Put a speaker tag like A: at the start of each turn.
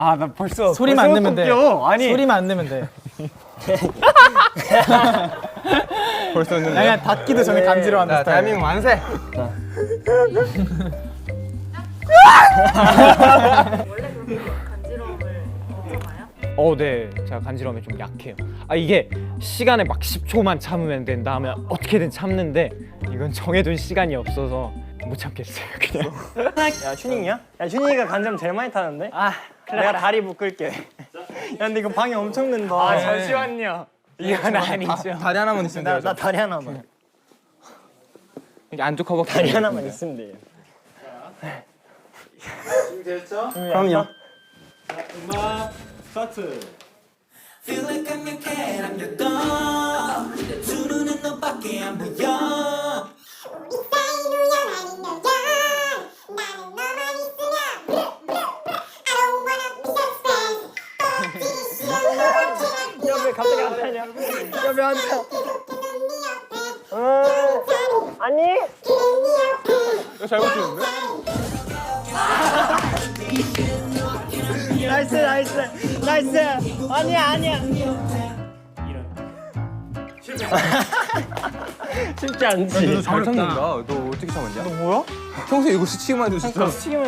A: 아, 나 벌써
B: 소리만 안 내면 돼.
A: 아니
B: 소리만 안 내면 돼.
C: 벌써 했는데.
B: 그냥 닫기도 전에 간지러워하는 스타일.
C: 대한민국 만세.
D: 원래 그렇게 간지러움을 참아요?
A: 네. 제가 간지러움에 좀 약해요. 아, 이게 시간을 막 10초만 참으면 된다 하면 어떻게든 참는데 이건 정해둔 시간이 없어서 못 참겠어요, 그냥.
E: 야 슈닝이야? 야 슈닝이가 간지럼 제일 많이 타는데? 아 그래 내가 다리 묶을게. 야 근데 이거 방해 엄청 낸다.
A: 아, 잠시만요. 이건 아니죠.
C: 다리 하나만 있으면 돼요.
E: 나 다리 하나만.
A: 이게 안쪽 허벅지.
E: 다리 하나만 있으면 돼.
F: 준비됐죠?
E: 그럼요.
F: 음악 스타트.
G: Feel like I'm your cat, I'm your dog. 두 눈은 너밖에 안 보여.
H: 우리 사이로 영원히 너야. 나는 너만 있으면 I don't wanna be suspect. 떨어지기 싫어 너만
E: 옆에 갑자기 안 타냐? 옆에 안 타. 아니?
C: 잘못 들었는데?
E: 나이스 나이스 나이스. 아니야 아니야. 쉽지 않지.
C: 너 잘 참는다. 너 어떻게 참았냐?
E: 뭐야?
C: 평소에 이거 스치기만 해도 진짜.